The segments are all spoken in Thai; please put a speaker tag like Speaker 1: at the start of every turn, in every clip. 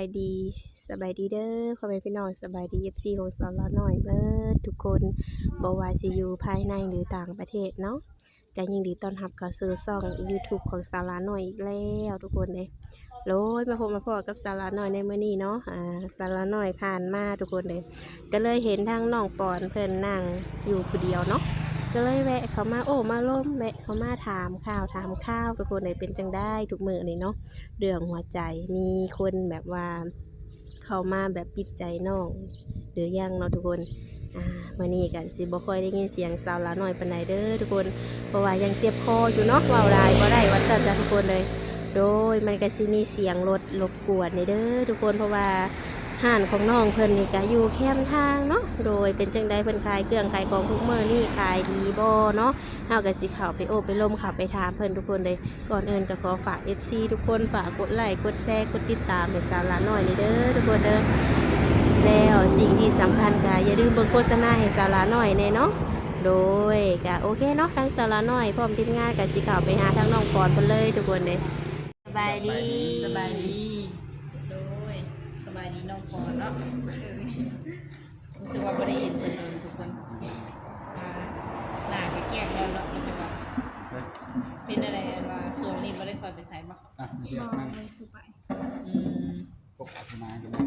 Speaker 1: ดีสบายดีเด้อพ่อแม่พี่น้องสบายดี FC ของสาวละน้อยเบิดทุกคนบ่ว่าสิอยู่ภายในหรือต่างประเทศเนาะก็ยินดีต้อนรับเข้าสู่ช่อง YouTube ของสาวละน้อยอีกแล้วทุกคนเด้โลยมาพบมาพอกับสาวละน้อยในมื้อนี้เนาะสาวละน้อยผ่านมาทุกคนเลยก็เลยเห็นทางน้องปอนเพิ่นนั่งอยู่ผู้เดียวเนาะก็เลยแวะเขามาโอ้มาล้มแวะเขามาถามข่าวทุกคนเลยเป็นจังได้ทุกมื้อนี่เนาะ เรื่องหัวใจมีคนแบบว่าเขามาแบบปิดใจน้องหรือยังเนาะทุกคนวันนี้ก็สิบ่ค่อยได้ยินเสียงสาวละน้อยปานใดเด้อทุกคนเพราะว่ายังเจ็บคออยู่เนาะเว้าหลายบ่ได้ว่าซั่นจ้ะทุกคนเลยโดยมันก็สิมีเสียงรถรบกวนนี่เด้อทุกคนเพราะว่าห้านของน้องเพิ่นนี่ก็อยู่แคมทางเนาะโดยเป็นจังได๋เพิ่นขายเครื่องขายของทุกมื้อนี่ขายดีบ่เนาะเฮาก็สิเข้าไปโอบไปล้มเข้าไปถามเพิ่นทุกคนเลยก่อนอื่นก็ขอฝาก FC ทุกคนฝากกดไลค์กดแชร์กดติดตามให้สาวละน้อยนี่เด้อทุกคนเด้อแล้วสิ่งที่สำคัญก็อย่าลืมเบิ่งโฆษณาให้สาวละน้อยแน่เนาะโดยก็โอเคเนาะทั้งสาวละน้อยพร้อมทีมงานก็สิเข้าไปหาทั้งน้องปอนเพิ่นเลยทุกคนเด้สบายดี
Speaker 2: สบายดีโดยสบายดีน้องปอนเนาะรู้สึกว่าไม่ได้เห็นคนเลยทุกคนหน้าแก่ๆแล้วเนาะมันจะแบบเป็นอะไรว่าส่วนนี้ไม่ได้คอยไปใส่บ่
Speaker 3: เสียนั่ง
Speaker 4: ไม่สู้ไป
Speaker 2: อืม
Speaker 3: ปกติมาอยู่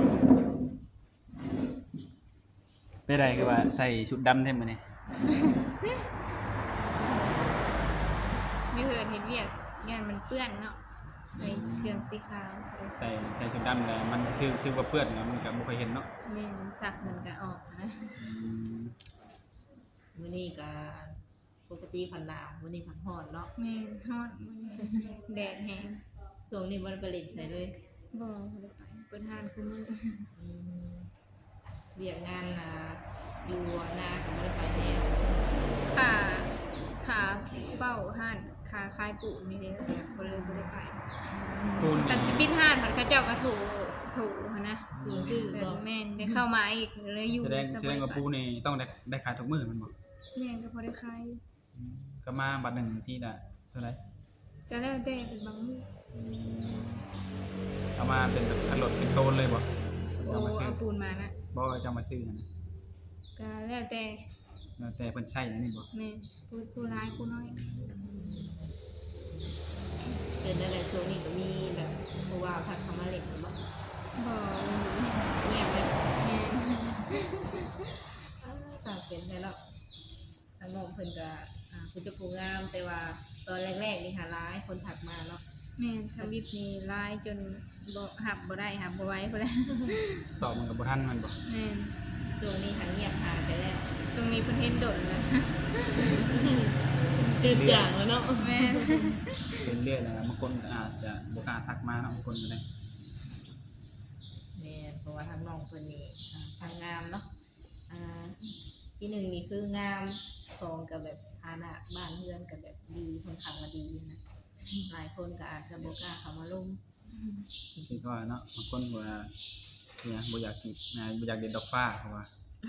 Speaker 3: ไปได้คือว่าใส่ชุดดำเท่มั้ยนี่
Speaker 4: ไม่เคยเห็นเวียกงานมันเปื้อนเนาะใส่เครื่องสีขาว
Speaker 3: ใส่ชุดดำแล้วมันถือว่าเปื้อนแล้วมันก็บ่ค่อยเห็นเนาะ
Speaker 4: แม่มันสักมันก็ออกนะ
Speaker 2: มื้อนี้ก็ปกติผันหนาวมื้อนี้ผันร้อนเนาะ
Speaker 4: แม่ฮอดมันแดดแห้ง
Speaker 2: ส่วนนี้บ่ได้ไปเล่นใส่เลย
Speaker 4: บ่ได้ไปเปิดห้านคุมื้อ
Speaker 2: เวียกงานอยู่นาก็บ่ได้ไปแล้ว
Speaker 4: ขาเฝ้าห้านขาคายปูนี่เด้บ่เลยบ่ได้ไป
Speaker 3: ปูน
Speaker 4: แต่สิปิดห้านมันเขาเจ้าก็ถูนะ
Speaker 2: ซื่อบ่
Speaker 4: แม่นได้เข้ามาอีกเลยอยู่
Speaker 3: แสดงว่าปูนี่ต้องได้ขายทุกมื้อมันบ่
Speaker 4: แม่นก็พอได้ขาย
Speaker 3: ก็มาบัดนึงที่น่ะเท่าไหร่
Speaker 4: จะแล้วแต่เป็นบางมื้อ
Speaker 3: เอามาเป็นแบบคันรถเป็นโตนเลยบ่
Speaker 4: เอาปูนมานะ
Speaker 3: บ่จะมาซื้อนะ
Speaker 4: ก็แล้วแต่
Speaker 3: เพิ่นใช้อันนี้บ่
Speaker 4: แม่ผู้ร้ายผู้น้อย
Speaker 2: เป็นอะไรช่วงนี้ก็มีแบบเพราะว่าพักคำมาเล่นบ่
Speaker 4: บ่
Speaker 2: เงียบเลย
Speaker 4: แม่
Speaker 2: สาวเป็นไงแล้วทางน้องเพิ่นก็คุณจะผู้งามแต่ว่าตอนแรกๆนี่หาร้ายคนถักมาเนาะ
Speaker 4: แม่ทำบิบนี่ร้ายจนบ่หับบ่ได้หับบ่ไหวพุ่นแหละ
Speaker 3: ตอบมันก็บ่ทันมันบ่
Speaker 4: แม่
Speaker 2: ช่วงนี้หาเงียบหายไปแล้ว
Speaker 4: ช่วงนี้เพิ่นเห็นโดดแล้ว
Speaker 2: จืดจางแล้วเนาะ
Speaker 4: แม่
Speaker 3: เป็นเรื่อยนะครับบางคนก็อาจจะบ่กล้าทักมาเนาะบางคนก็ได้
Speaker 2: แม่เพราะว่าทางน้องเพิ่นนี่ทางงามเนาะที่หนึ่งนี่คืองามสองกับแบบฐานะบ้านเรือนกับแบบดีคนขับมาดีนะหลายคนก็อาจจะบ่กล้าเข้ามาลง
Speaker 3: คือก็เนาะบางคนว่าเนี่ยบ่อยากกินบ่อยากเด็ดดอกฟ้าเพราะว่า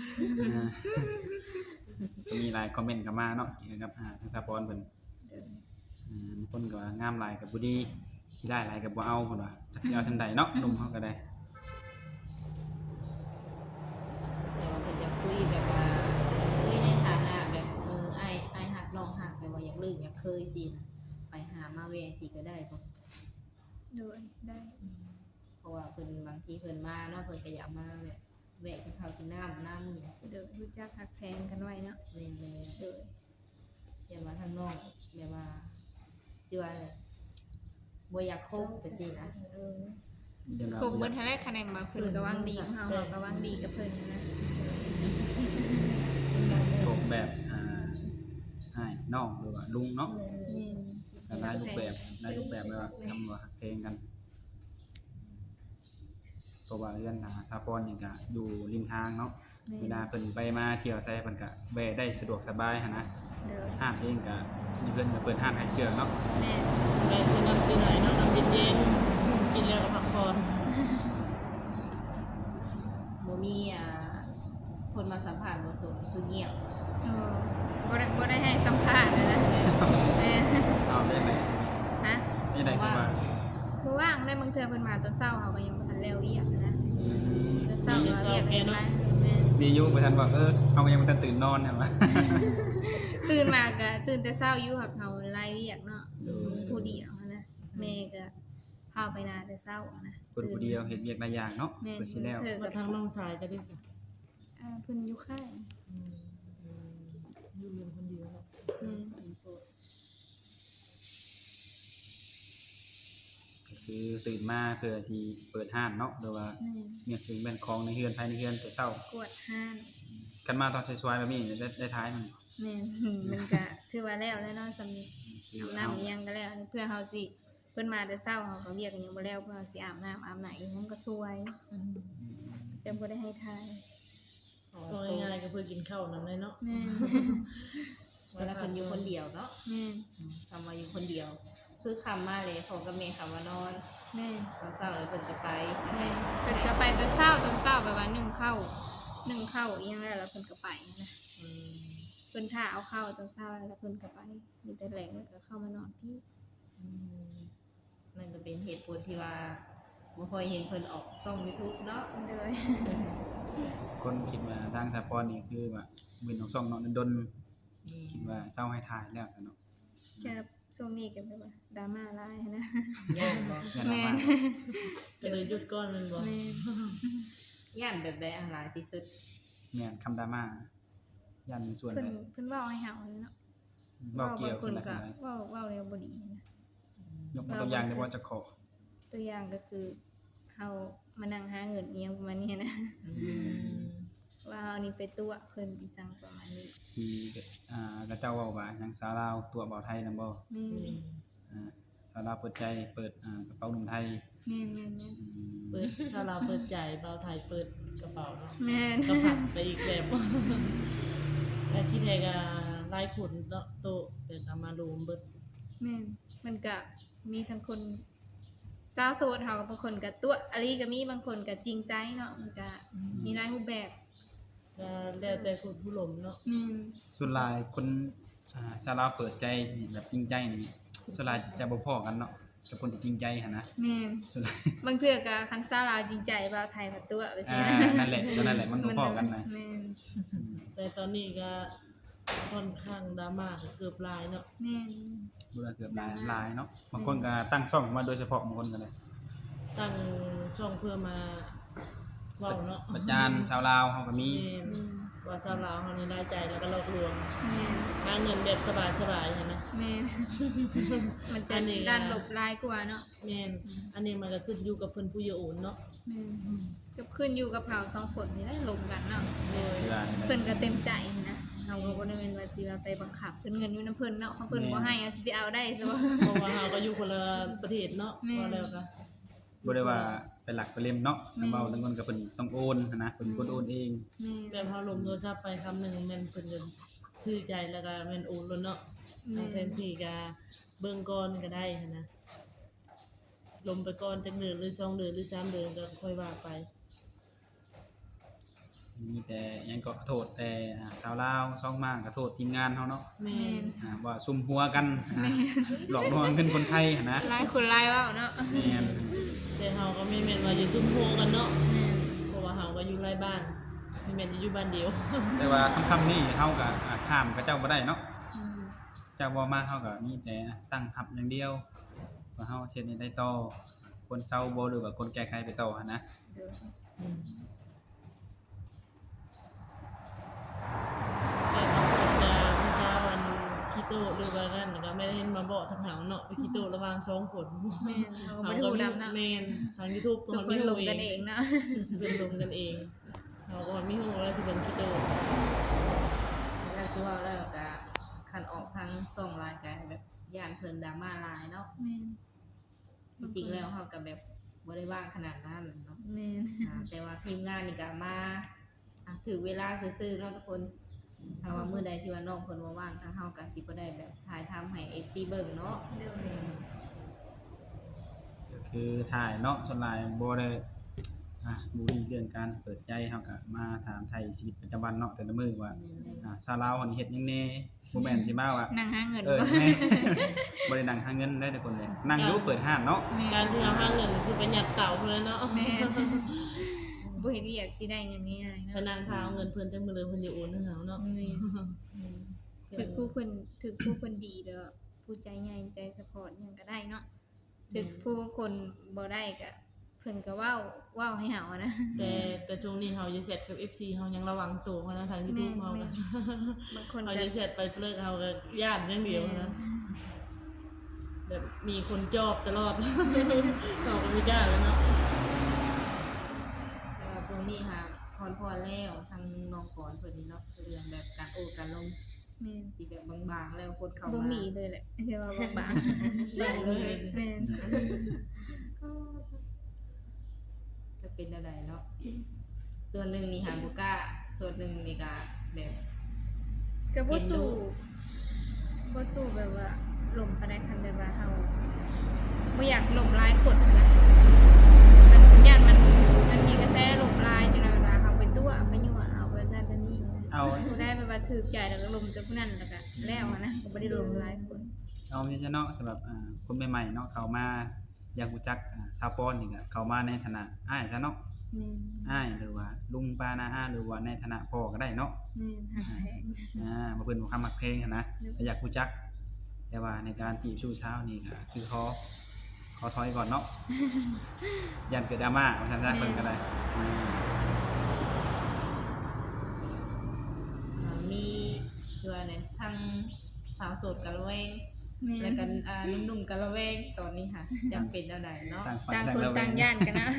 Speaker 3: ก็มีหลายคอมเมนต์เข้ามาเนาะเกี่ยวกับทางสปอนเพิ่นบางคนก็ว่างามหลายก็บ่ดีที่ได้หลายก็บ่เอาเพิ่นว่าจักสิเอาจังไดเนาะหนุ่มเฮาก็ได้
Speaker 2: แต่ว่าเพิ่นจะคุยแบบว่าคุยในฐานะแบบอ้ายฮักน้องฮักแบบว่าอยากลืมอยากเคยสินะไปหามาแวะสิก็ได้บ่
Speaker 4: โดยได้
Speaker 2: เพราะว่าเพิ่นบางทีเพิ่นมาเนาะเพิ่นก็อยากมาแบบแวะกินข้าวกินน้ำ
Speaker 4: เดี๋ยวรู้จักฮักแพงกันไว้เนาะ
Speaker 2: แม่ๆเด้ออย่ามาทางน้องแบบว่าสิว่าบ่อยากคบจังซี่นะ
Speaker 4: คบเบิดเท่าไรคะแนนมาเพิ่นก็วังดีเฮาก็วังดีกับเพิ่นนะ
Speaker 3: คบแบบให้น้องหรือว่าลุงเนาะก็ได้รูปแบบแบบว่าทำว่าฮักเพลงกันเพราะว่าเรื่องทาปอนนี่ก็อยู่ริมทางเนาะเวลาเพิ่นไปมาเที่ยวใส่เพิ่นก็แวะได้สะดวกสบายหั่นนะห้างเองก็มีเพิ่นก็เปิดห้างขายเครื่องเนาะ
Speaker 2: แม่ซื้อน้ำซื้อไหนเนาะน้ำเย็นๆกินแล้วก็พักผ่อนบ่มีคนมาสัมภาษณ์บ่สนคือเงียบ
Speaker 4: บ่ได้ให้สัมภาษณ์นะ
Speaker 3: เอาได้ไหม
Speaker 4: ฮะ
Speaker 3: นี่ได้คือว่า
Speaker 4: บ่ว่างได้บางเทื่อเพิ่นมาตอนเช้าเฮาก็ยังบ่ทันแล้วอีหยังนะแต่เศร้าก็เรียกกันมาแม่น
Speaker 3: ดีอยู่บ่ทันว่าเฮาก็ยังบ่ทันตื่นนอนเนี่ยว่า
Speaker 4: ตื่นมาก็ตื่นแต่เช้าอยู่หักเฮาไล่เวียกเนาะผู้เดียวนะแม่ก็พาไปนาแต่เช้านะ
Speaker 3: เพิ่นผู้เดียวเฮ็ดเวียกหลายอย่างเนาะ
Speaker 4: แม่น
Speaker 3: เพิ่นสิแล้ว
Speaker 4: เธอ
Speaker 5: มา
Speaker 4: กับ
Speaker 5: ทางน้องสายก็ได้สิ
Speaker 4: เพิ่นอยู่ค่าย
Speaker 5: อยู่เรียนคนเดียวเนาะ
Speaker 4: อืม
Speaker 3: ก็คือตื่นมาเพื่อสิเปิดห้านเนาะหรือว่า
Speaker 4: แม่น
Speaker 3: เมียถึงแม่นของในเฮือนภายในเฮือนแต่เช้าก
Speaker 4: วดห้าน
Speaker 3: กันมาตอนสวยๆแบบนี้ได้ท้ายมัน
Speaker 4: แม่นมันก็ถือว่าแล้วเนาะสำนึกอาบน้ำอิหยังก็แล้วเพื่อเฮาสิเพิ่นมาแต่เช้าเฮาก็เรียกกันยังบ่แล้วเพื่อเฮาสิอาบน้ำอาบไหนมันก็สวยจะบ่ได้ให้ทาย
Speaker 5: ก็ง่ายๆก็เพื่อกินข้าวนำเลยเนาะ
Speaker 4: แม่น
Speaker 2: เวลาเพิ่นอยู่คนเดียวเนาะ
Speaker 4: แม่น
Speaker 2: คำว่าอยู่คนเดียว คือคำมาเลยเขากับแม่คำว่านอน
Speaker 4: แม่น
Speaker 2: ตอนเช้าเลยเพิ่นจะไป
Speaker 4: แม่นเพิ่นก็ไปแต่เช้าตอนเช้าแบบว่านึ่งข้าวอีหยังแล้วเพิ่นก็ไปนะ
Speaker 2: อืม
Speaker 4: เพิ่นท่าเอาข้าวตอนเช้าแล้วเพิ่นก็ไปมีแต่แหลงแล้วก็เข้ามานอนพี่
Speaker 2: อืมนั่นก็เป็นเหตุผลที่ว่าบ่ค่อยเห็นเพิ่นออกช่อง YouTube เนาะ
Speaker 4: โดย
Speaker 3: คนคิดว่าทางสะพรนี่คือว่ามือน้องซ่องเนาะดน
Speaker 2: อืม
Speaker 3: คิดว่าเศร้าให้ทายแล้วเนาะ
Speaker 4: จะช่วงนี้ก็แบบว่าดราม่าหลายนะ
Speaker 2: ย่านบ่
Speaker 3: ยัน
Speaker 4: แม่
Speaker 3: มาน
Speaker 5: ก็เลยหยุดก้อนมันบ่
Speaker 4: แม่น
Speaker 2: ย่านแบบใดอันหลายที่สุด
Speaker 3: แม่นคำดราม่ายันส่วน
Speaker 4: เพิ่น
Speaker 3: ใด
Speaker 4: เพิ่นเว้าให้เฮาเลยเนาะ
Speaker 3: เว้าเกี่ยว
Speaker 4: ค
Speaker 3: ส่วน
Speaker 4: น
Speaker 3: ใด
Speaker 4: ก็
Speaker 3: ส่วนใด
Speaker 4: เว้าแล้วบ่ดีนะ
Speaker 3: ยกตัวอย่างได้บ่จะขอ
Speaker 4: ตัวอย่างก็คือเฮามานั่งหาเงินอีหยังประมาณนี้นะ
Speaker 2: อืม
Speaker 4: ว่าเฮานี่ไปตัวเพิ่นอีสังประมาณนี้
Speaker 3: ที่กระเจ้าเว้าว่าหยังสาวลาวตัวเบาไทยนำบ่
Speaker 4: แม่น
Speaker 3: สาวลาวเปิดใจเปิดกระเป๋าหนุ่มไทย
Speaker 4: แม่น
Speaker 5: เปิดซาลาเปิดใจเบาไทยเปิดกระเป๋าเนาะ
Speaker 4: แม่น
Speaker 5: ก็ผันไปอีกแบบ แต่ที่แท้ก็ไล่ผลโตแต่ก็มารวมเบิด
Speaker 4: แม่นมันก็มีทั้งคนสาวโสดเฮากับบางคนก็ตัวอะลีก็มีบางคนก็จริงใจเนาะมันก็มีหลายรูปแบบ
Speaker 5: ก็แล้วแต่คนผู้หลมเนาะ
Speaker 4: แม่น
Speaker 3: ส่วนหลายคนสาวลาวเปิดใจแบบจริงใจนี่ส่วนหลายจะบ่พอกันเนาะกับคนที่จริงใจหั่นนะ
Speaker 4: แม่น
Speaker 3: ส่วนหลาย
Speaker 4: บางเทื่อก็คันสาวลาวจริงใจบ่าวไทยผัดตัวไปซิ
Speaker 3: นั่นแหละก็นั่นแหละมันบ่พอกันนะ
Speaker 4: แม่น
Speaker 5: แต่ตอนนี้ก็ค่อนข้างดราม่าเกือบหลายเนาะ
Speaker 4: แม่น
Speaker 3: เบื่อเกือบหลายเนาะบางคนก็ตั้งช่องมาโดยเฉพาะบางคนก็เลย
Speaker 5: ตั้งช่องเพื่อมาเว้าเนาะ
Speaker 3: ประจานชาวลาวเขาก็มี
Speaker 5: แม่นว่าสาวลาวเฮานี่ได้ใจแล้วก็หลอกลวง
Speaker 4: แม่น
Speaker 5: หาเงินแบบสบายๆใช่ไหม
Speaker 4: แม่นมันจะ
Speaker 5: อันนี้
Speaker 4: ด้านลบลายกว่าเนาะ
Speaker 5: แม่นอันนี้มันก็ขึ้นอยู่กับเพิ่นผู้เยาว์โอนเนาะ
Speaker 4: แม่นก็ขึ้นอยู่กับเฮาสองคนนี่แหละลงกันเนาะ
Speaker 5: โดย
Speaker 3: เวลา
Speaker 4: เพิ่นก็เต็มใจนะเฮาก็บ่ได้แม่นว่าสิว่าไปบังคับเพิ่นเงินอยู่นํเพิ่นเนาะเขาเพิ่นบ่ให้อะสิไปเอาได้ซะบ่
Speaker 5: เพราะว่าเราก็อยู่คนละประเทศเนาะ
Speaker 4: แม่
Speaker 5: พอแล้วก็
Speaker 3: บ่ได้ว่าเป็นหลักเป็นเล่มเนาะนำเว้าทั้งคนก็เพิ่นต้องโอนหั้นนะเพิ่นเป็นคนโอนเอง
Speaker 5: แบบเฮาลมโทรศัพท์ไปคำหนึงแม่นเพิ่นก็ถือใจแล้วก็แม่นโอนแล้วเนาะ
Speaker 4: แม่
Speaker 5: แทนที่ก็เบิ่งก่อนก็ได้หั้นนะลมไปก่อนจักเดือนหรือ2เดือนหรือ3เดือนก็ค่อยว่าไป
Speaker 3: มีแต่หยังก็โทษแต่ชาวลาวซ่องมากก็โทษทีมงานเฮาเนาะ
Speaker 5: แม่น
Speaker 3: ว่าซุ่มหัวกันหลอกลวงเงินคนไทยหั้นนะ
Speaker 4: หลายคนหลายเว้าเนาะ
Speaker 3: แม่น
Speaker 5: แต่เฮาก็ไม่แม่นว่าอยู่ซุ่มโฮกันเนาะเพราะว่าเฮาก็อยู่ไร่บ้านไม่แม่นอยู่บ้านเดียว
Speaker 3: แต่ว่าคำนี้เฮาก็ห้ามกับเจ้าบ่ได้เนาะ
Speaker 4: อืม
Speaker 3: เจ้าบ่มาเฮาก็มีแต่ตั้งทับอย่างเดียวว่าเฮาเช็ดให้ได้ต่อคนเซาบ่หรือว่าคนแก้ไขไปต่อหั้นนะ
Speaker 4: เดี๋ยว
Speaker 5: อืมแต่บางคนก็ผู้สาวอันขี้โตหรือว่านั่นก็ไม่ได้เห็นมาบอกทางเฮาเนาะไปขี้โตระหว่าง2คน
Speaker 4: แม่นเฮาก็บ่ได้ฮู้นำเนาะ
Speaker 5: แม่นทาง YouTube
Speaker 4: สุเพิ่นลงกันเองเนาะ
Speaker 5: เพิ่นลงกันเองเราก็ว่ามีฮู้ว่าสิเป็นขี้โต
Speaker 2: แล้วสิว่าแล้วก็คันออกทางส่งรายการแบบย่านเพิ่นดราม่าหลายเนาะ
Speaker 4: แม่น
Speaker 2: จริงๆแล้วเฮาก็แบบบ่ได้ว่างขนาดนั้นเนาะ
Speaker 4: แม่น
Speaker 2: แต่ว่าทีมงานนี่ก็มาถือเวลาซื่อๆเนาะทุกคนถ้าว่ามื้อใดที่ว่าน้องเพิ่นบ่ว่างทางเฮาก็สิบ่ได้แบบถ่ายทำให้ FC เบิ่งเนาะ
Speaker 4: เดี๋ยว
Speaker 3: ก็คือถ่ายเนาะส่วนหลายบ่ได้บุรีเรื่องการเปิดใจเฮาก็มาถามไทยชีวิตประจำวันเนาะแต่ละมื้อว่าชาวลาวเฮานี่เฮ็ดหยังแน่บ่แม่นสิมาว่า
Speaker 4: นั่งหาเงิน
Speaker 3: แม่บ่ได้นั่งหาเงินได้ทุกคนเลยนั่งอยู่เปิดห้านเนาะ
Speaker 5: การที่เราหาเงินคือไปหยัดเต่าพุ่นแล้วเนาะ
Speaker 4: แม่บ่เฮ็ดเวียกสิได้เงินง่ายๆ
Speaker 5: พ
Speaker 4: เนาะ
Speaker 5: นังพาเอาเงินเพิ่นจังมื้อเลยเพิ่นสิโอนให้เฮาเนาะ
Speaker 4: แม่ถึกผู้เพิ่นดีแล้วผู้ใจใหญ่ใจซัพพอร์ตหยังก็ได้เนาะถึกผู้คนบ่ได้ก็เพิ่นก็เว้าให้เฮานะ
Speaker 5: แต่ช่วงนี้เฮาจะเสร็จกับ FC เฮายังระวังตัวนะทาง YouTube เฮาก็
Speaker 4: บางคน
Speaker 5: เฮา
Speaker 4: ก็
Speaker 5: จะเสร็จไปเลิกเฮาก็ย่านอย่างเดียวนะแบบมีคนจอบตลอด เฮาก็ไม่กล้าเลยเนาะ
Speaker 2: แต่ว่าช่วงนี้ค่ะพรแล้วทางน้องก่อนเพิ่นนี่เนาะเรื่องแบบการโอ้การลง
Speaker 4: แม่น
Speaker 2: สิแบบบางๆแล้วคนเข้า
Speaker 4: บ่
Speaker 2: มา
Speaker 4: มีเลยแหละเรียกว่าบาง
Speaker 2: ได้เลย
Speaker 4: ๆแม่น
Speaker 2: จะเป็นอะไรเนาะส่วนหนึ่งนี่หาบ่กล้าส่วนหนึ่งนี่ก็แบบ
Speaker 4: ก็บ่สู้แบบว่าลมปานใดคันแบบว่าเฮาบ่อยากลมหลายคนนะมันย่านมันมีกระแสลมหลายจังนั้นเวลาเฮาไปตัวไปยั่วเอาแบบนั้นแบบนี้
Speaker 3: เอา
Speaker 4: ผู้ได้แบบว่าถูกใจแล้วก็ลมจากผู้นั้นแล้วก็แล้วอะนะก็บ่ได้ลมหลายคน
Speaker 3: เอาไม่ใช่เนาะสำหรับคนใหม่ๆเนาะเข้ามาอยากรู้จักชาวปอนนี่ก็เข้ามาในฐานะอ้ายซะเนาะ
Speaker 4: แม่น
Speaker 3: อ้ายหรือว่าลุงป้าน้าอาหรือว่าในฐานะพ่อก็ได้เนาะ
Speaker 4: แม่นหักแพง
Speaker 3: บ่เพิ่นบ่คำมักเพลงหันนะก็อยากรู้จัก แต่ว่าในการจีบชู้สาวนี่ก็คือขอถอยก่อนเนาะ ยันเกิดดราม่าว่าซั่นซะเพิ่นก็ได้
Speaker 2: มีคือว่าเนี่ยทางสาวโสดกันระแวง
Speaker 4: แม่
Speaker 2: แล้ว
Speaker 4: น
Speaker 2: กันหนุ่มๆกันระแวงตอนนี้ค่ะจำเป็นอะไรเนาะ
Speaker 3: ต่างฝ่าย
Speaker 4: ต่างคน
Speaker 3: ระแว
Speaker 4: ต่างย่านกันนะ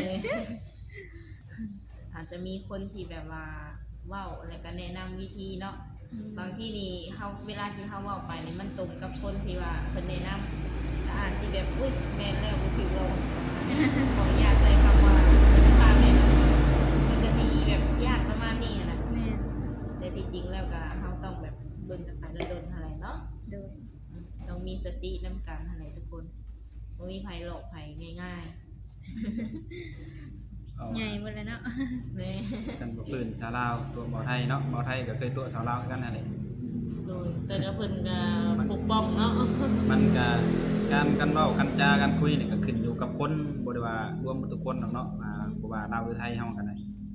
Speaker 2: อาจจะมีคนที่แบบว่าเว้าแล้วก็แนะนำวิธีเนาะบางที่นี่เฮาเวลาที่เฮาเว้าไปนี่มันตรงกับคนที่ว่าเพิ่นแนะนำก็อาจสิแบบอุ้ยแม่นแล้วบ่ถือว่าขออนุญาตใช้คำว่าตามแนะนำมันก็สิแบบยากประมาณนี้อะนะ
Speaker 4: แม่น
Speaker 2: แต่ที่จริงแล้วก็เฮาต้องแบบเบิ่งกันไปโดนๆอะไรเนาะ
Speaker 4: โดย
Speaker 2: ต้องมีสตินำกันอะไรทุกคนบ่มีภัยหลอกภัยง่าย
Speaker 3: เอา
Speaker 4: ใหญ่หมดแล้วเนาะ
Speaker 2: ๆแม่
Speaker 3: กันบ่ปืนชาวลาวตัวบ่ไทยเนาะบ่ไทยก็เคยตัวชาวลาวคือกันนั่นแหละ
Speaker 5: โดยแต่ก็เพิ่นก็ปกป้องเนาะ
Speaker 3: มันก็การเว้ากันจากันคุยนี่ก็ขึ้นอยู่กับคนบ่ได้ว่ารวมหมดทุกคนหรอกเนาะบ่ว่าลาวหรือไทยเฮาก็ได้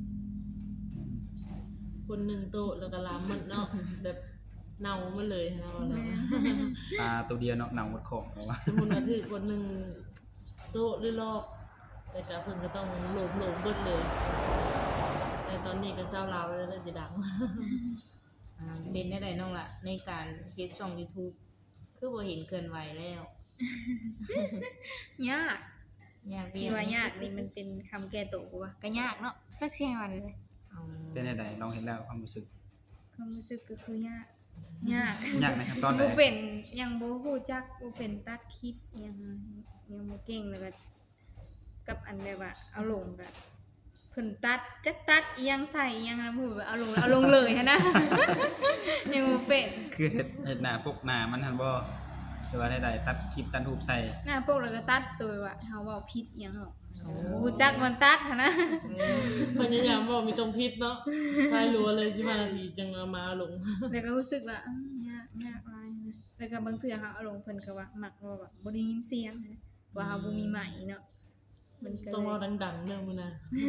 Speaker 5: คนหนึงโตะแล้วก็ลามหมดเนาะแบบเน่าหมดเลยนะว่าเนาะ
Speaker 3: ปลาตัวเดียวเนาะหนังหมดของเอาว่า
Speaker 5: สมมุติว่าถือคนหนึงโตะหรือลอกแต่ก็เพิ่นก็ต้องโหลมเบิดเลยแต่ตอนนี้ก็เศร้าลาวแล้วจะดัง
Speaker 2: เป็นได้ไดน้องล่ะในการเฮ็ดช่อง YouTube คือบ่เห็นเกินไหวแล้ว
Speaker 4: ยาก
Speaker 2: ยาก
Speaker 4: สิว่ายากนี่มันเป็นคำแก้ตัวว่าก็ยากเนาะสักเสียงวันเลย
Speaker 3: เป็นได้ลองเห็นแล้วความรู้สึก
Speaker 4: ความรู้สึกก็คือยากยาก
Speaker 3: ยากในขั้นตอนไหน
Speaker 4: บ่เป็นยังบ่ฮู้จักบ่เป็นตัดคลิปยังบ่เก่งแล้วก็กับอันแบบว่าเอาลงก็เพิ่นตัดจักตัดอีหยังใส่อีหยังนะพูดว่าเอาลงแล้วเอาลงเลยหันนะ ยังบ่เป็น
Speaker 3: คือเฮ็ดหน้าพวกหน้ามันหันบ่หรือว่าได้ตัดคลิปตัดรูปใส่
Speaker 4: หน้าพวกเราก็ตัดตัวว่าเฮาเว้าผิดอีหยังเนาะฮู้จักมันตัดหันนะ
Speaker 5: พยายามบอกมีตรงพิษเนาะทายรัวเลย15นาทีจังเอามาลง
Speaker 4: แล้วก็รู้สึกว่าอื้อยากหลายนะแล้วก็บางเทื่อเฮาเอาลงเพิ่นก็ว่ามักว่าแบบบ่ได้ยินเสียงนะว่าเฮาบ่มีไมค์เนาะมันก็
Speaker 5: ต้อง
Speaker 4: เล
Speaker 5: รอย ดังๆเด้อมื้อนะ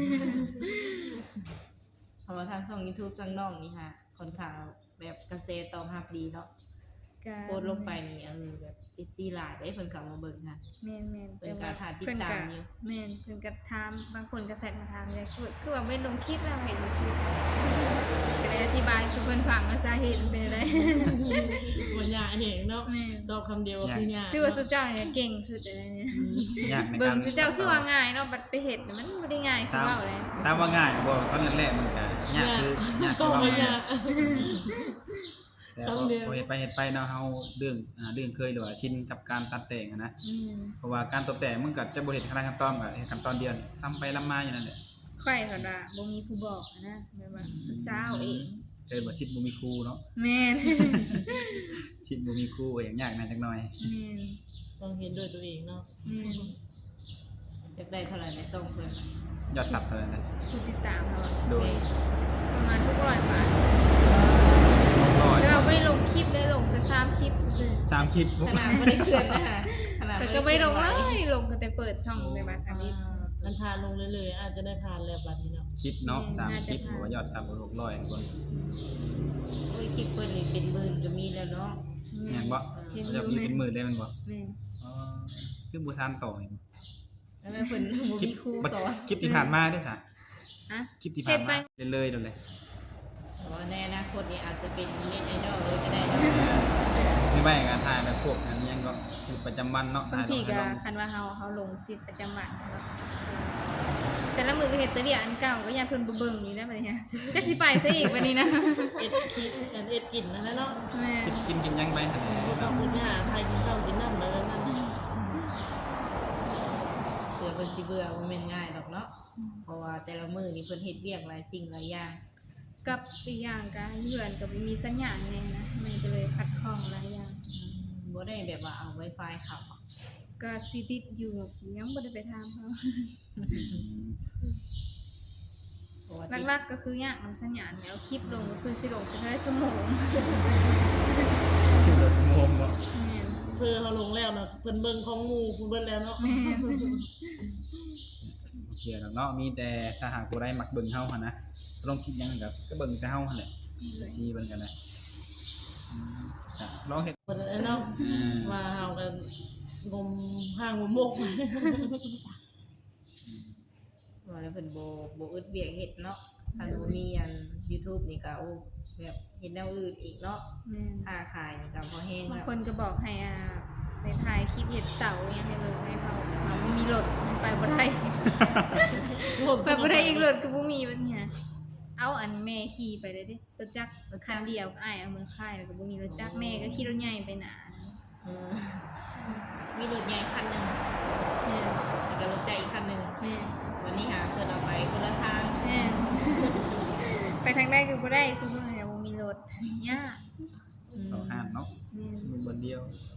Speaker 2: เพราะว่าทางช่อง YouTube ทางน้องนี่ค่ะค่อนข้างแบบกระแสตอบรับดีเนาะ
Speaker 4: ก็
Speaker 2: โพสต์ลงไปนี่แบบ FC หลายได้เพิ่นเข้ามาเบิ่งค่ะ
Speaker 4: แม่นๆ
Speaker 2: เพิ่นก็ถ่ายติดตามอยู่
Speaker 4: แม่นเพิ่นก็ถามบางคนก็แซดมาถามเลยคือว่าไม่ลงคลิปแล้วเห็น YouTube ก็ได้อธิบายสู่เพิ่นฟังว่าสาเหตุมันเป็นอะไร
Speaker 5: บ่ยากเห็นเนาะ
Speaker 4: แม่น
Speaker 5: ตอบคำเดียวคือยาก
Speaker 4: คือว่าสุเจ้าเนี่ยเก่งสุดเลยเนี่ย
Speaker 3: ยากใน
Speaker 4: เบิ่
Speaker 3: กาง ร
Speaker 4: สุเจ้าคือว่าง่ายเนาะบัดไปเฮ็ดน่ะมันบ่ได้ง่ายคือเว้าเลย
Speaker 3: ถามว่าง่ายบ่ตอนแรกๆมันก็ยากคือยาก
Speaker 5: ต้
Speaker 3: คือ
Speaker 5: อง
Speaker 3: ว่า
Speaker 5: บ่
Speaker 3: ง่าย
Speaker 5: ยาก
Speaker 3: แต่พอเฮ็ดไปเนาะเฮาเรื่องเคยหรือว่าชินกับการตัดแต่งอะนะ เพราะว่าการตกแต่งมันก็จะบ่เฮ็ดขั้นตอนก็เฮ็ดขั้นตอนเดียวนี่ซ้ำไปซ้ำมาอยู่นั่นแหละ
Speaker 4: ค่อยเพิ่นว่าบ่มีผู้บอกอะนะแบบว่าศึกษาเอาเอง
Speaker 3: เจอบ่ชิดบ่มีครูเนาะ
Speaker 4: แม่น
Speaker 3: ชิดบ่มีครูก็อย่างยากหน่อยจักหน่อย
Speaker 4: แม่น
Speaker 5: ต้องเห็นด้วยตัวเองเนาะ
Speaker 4: แม่น
Speaker 2: แต่จักได้เท่าไหร่ในส่งเพิ่น
Speaker 3: ยอดซับเท่าไหร่นะ
Speaker 4: ผู้ติดตามเราอะ
Speaker 3: โดย
Speaker 4: ประมาณทุก100 บาท
Speaker 3: ร้อย
Speaker 4: แล้วเราไม่ได้ลงคลิปเลยลงแต่3คลิปซื่อ
Speaker 3: 3คลิป
Speaker 2: ขนาดบ่ได้เคลื่อนนะคะขนาด
Speaker 4: ๆแต่ก็ไม่ลงเลยลงกันแต่เปิดช่องในบัตรคณิต
Speaker 5: มันทานลงเรื่อยๆอาจจะได้ผ่านแล้วบัดนี้เนาะ
Speaker 3: คลิปเนาะ
Speaker 4: น่า
Speaker 3: 3ค
Speaker 4: จะ
Speaker 3: ลิปหรือว่ายอดซับ600คน
Speaker 2: โอ้ยคลิปเพิ่นนี่เป็นหมื่นก็มีแล้วเนาะ
Speaker 3: แม่นบ่จะมีเป็นหมื่นได้แม่นบ่
Speaker 4: แม่น
Speaker 3: อ๋อคือบ่ซันต่ออีก
Speaker 2: แล้วเพิ่นบ่มีครูสอน
Speaker 3: คลิปที่ผ่านมาเด้อจ้ะ
Speaker 4: ฮะ
Speaker 3: คลิปที่ผ่านมาเลยๆโดนเลย
Speaker 2: ว่าในอนาคตนี่อาจจะเป็นเน็ตไอดอลเลยก็ได้เนาะ
Speaker 3: หรือไม่งานถ่ายแบบพวกอันนี้ยังก็ชีวิตประจำวันเนาะ
Speaker 4: บางทีก็คันว่าเฮาลงชีวิตประจำวันเนาะแต่ละมื้อก็เฮ็ดแต่เวียกอันเก่าก็ย่านเพิ่นบ่เบิ่งนี่นะบัดนี้ฮะจักสิไปซะอีกบัดนี้นะ
Speaker 5: เอ็ดคิดอันเอ็ดกินนั่นแหละเนาะ
Speaker 4: แม่น
Speaker 3: กินยังไปหั่นนี่
Speaker 5: บ่ต้องหาไทยกินข้าวกินน้ำแล้วนั่น
Speaker 2: เผื่อเพิ่นสิเบื่อบ่แม่นง่ายดอกเนาะเพราะว่าแต่ละมื้อนี่เพิ่นเฮ็ดเวียกหลายสิ่งหลายอย่าง
Speaker 4: กับอีกอย่างก็เฮือนก็บ่มีสัญญาณแน่นะมันก็เลยขัดข้องหลายอย่าง
Speaker 2: บ่ได้แบบว่าเอา Wi-Fi เข้าอะ
Speaker 4: ก็สิติดอยู่ยังบ่ได้ไปถามเขา
Speaker 2: เพราะว่า
Speaker 4: หลักๆก็คือยากมันสัญญาณแล้วคลิปลงก็คือสิลงไปได้สมอง
Speaker 3: คือเราสมองเนาะ
Speaker 4: แม่น
Speaker 5: เพื่อเขาลงแล้วนะเพิ่นเบิ่งของหมู่เพิ่นเบิ่งแล้วเนาะ
Speaker 4: แม่น
Speaker 3: โอเคแล้วเนาะมีแต่ถ้าหากผู้ใดมักเบิ่งเฮาหั่นนะลองคิดหยังก็เบิ่งแต่เฮาหั่นแหละชี้เบิ่งกันได้ลองเฮ็ด
Speaker 5: เพิ่นเนาะว่าเฮากันงมห้างงมมก
Speaker 2: ว่าแล้วเพิ่นบ่อึดเวียกเฮ็ดเนาะถ้าบ่มีอัน YouTube นี่ก็โอ้แบบเฮ็ดแนวอื่นอีกเนาะ
Speaker 4: แม่น
Speaker 2: ค่าขายนี่ก็บ่แฮง
Speaker 4: บาง
Speaker 2: แล้ว
Speaker 4: คนก็บอกให้ไปถ่ายคลิปเห็ดเต่าอยังให้เบิ่งให้เขาไม่มีรถไปบ่ได้ ไปบ่ได้อีกรถก็บ่มีบัดเนี่ยเอาอันแม่ขี่ไปเลยดิรถจักรคันเดียวก็อ้ายเอามือค่ายแล้วก็บ่มีรถจักรแม่ก็ขี่รถใหญ่ไปหนา
Speaker 2: อืมมีรถใหญ่คันหนึง
Speaker 4: แม่น
Speaker 2: แล้วก็รถใจกอีกคันหนึง
Speaker 4: แม่น
Speaker 2: วันนี้หาเพิ่นเอาไปคนละทาง
Speaker 4: แม่น ไปทางใดก็บ่ได้คือเมื่อเนี่ยบ่มีรถยาก
Speaker 3: เราห้ามเนาะ
Speaker 4: แม่น
Speaker 3: มือบนเดียว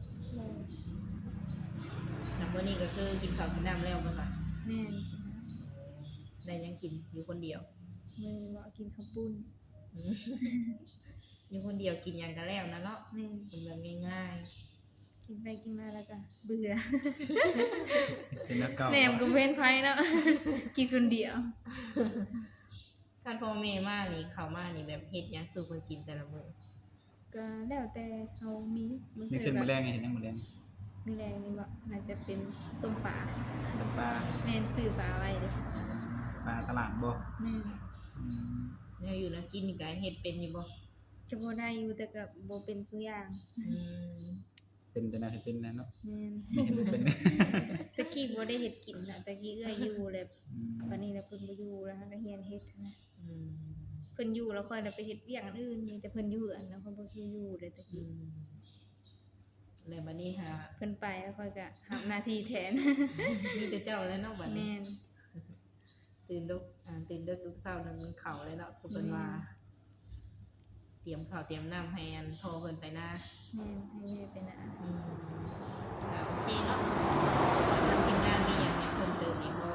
Speaker 2: แล้วมื้อนี้ก็คือกินข้าวกินน้ำแล้วเพิ่นว่า
Speaker 4: แม่น
Speaker 2: ได้หยังกินอยู่คนเดียว
Speaker 4: มื้อนี้ว่ากินข้าวปุ้น
Speaker 2: อืมอยู่คนเดียวกินหยังก็แล้วนะเนาะ
Speaker 4: แม่น
Speaker 2: กินแบบง่าย
Speaker 4: กินไปกินมาแล้วก็เบื่อ
Speaker 3: เป็นนักเก่า
Speaker 4: แหนมก็เว้นไผเนาะ กินคนเดียว
Speaker 2: ๆคันพ่อแม่มานี่เข้ามานี่แบบเฮ็ดหยังสู่เพิ่นกินแต่ละมื้อ
Speaker 4: ก็แล้วแต่เขามีบาง
Speaker 3: นี่
Speaker 4: ที
Speaker 3: เส้น
Speaker 4: ก็
Speaker 3: มื้อแรงไงเห็นยังมื้อแรง
Speaker 4: มีแรงนี่บ่น่าจะเป็นต้มปลา
Speaker 3: เป็นปลา
Speaker 4: แม่นซื้อปลาไว้เด้อ
Speaker 3: ปลาตลาดบ่
Speaker 4: แม่น
Speaker 3: อืม
Speaker 2: แล้วอยู่แล้วกินนี่ก็เฮ็ดเป็นอยู่บ่
Speaker 4: จะบ่ได้อยู่แต่ก็บ่เป็นซุอย่าง
Speaker 2: อืม
Speaker 3: เป็นแต่น่าจะเป็นแล้วเนาะ
Speaker 4: แม่น
Speaker 3: ไม่เห็นบ่เป็น
Speaker 4: ตะกี้บ่ได้เฮ็ดกินน่ะตะกี้เอื้อยอยู่แล้ว
Speaker 3: อืม
Speaker 4: วันนี้แล้วเพิ่นบ่อยู่แล้วก็เฮียนเฮ็ดนะ
Speaker 2: อืม
Speaker 4: เพิ่นอยู่แล้วค่อยได้ไปเฮ็ดเวียกอันอื่นมีแต่เพิ่นอยู่อันแล้วเพิ่นบ่ช่วยอยู่เลยตะ
Speaker 2: อื
Speaker 4: กี้
Speaker 2: มแล้วบัดนี้หา
Speaker 4: เพิ่นไปแล้วค่อยก็รับหน้าที่แทน
Speaker 2: มีแต่เจ้าแล้วเนาะบัดนี้
Speaker 4: แม่น
Speaker 2: ตื่นดึกทุกเช้านั่นมันเข้าเลยเนาะคือเพิ่นว่า เตรียมข้าวเตรียมน้ำให้อันพ่อเพิ่นไปนะ
Speaker 4: แม่นให้แม่ไปนะ
Speaker 2: อืมก็โอเคเนาะทางทีมงานมีหยังให้เพิ่มเติมอีกบ่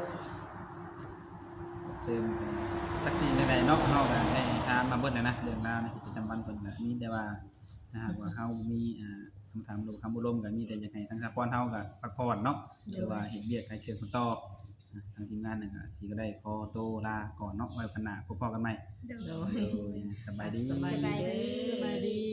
Speaker 3: เติมจักทีใดๆเนาะเฮาก็ได้ถามมาเบิดแล้วนะเรื่องราวในชีวิตประจำวันเพิ่นก็มีแต่ว่าถ้าหากว่าเฮามีคำถามหรือคำบ่ลมก็มีแต่อยากให้ทางสปอนเฮาก็พักผ่อนเนาะหรือว่าเฮ็ดเวียกให้เชิญคนต่อทางทีมงานน่ะก็สิก็ได้ขอตัวลาก่อนเนาะไว้พันหน้าพบกันใหม่
Speaker 4: เด้อ
Speaker 2: โด
Speaker 3: โด
Speaker 2: ย
Speaker 3: ยสบายดี
Speaker 2: สบายดี
Speaker 5: สบายดี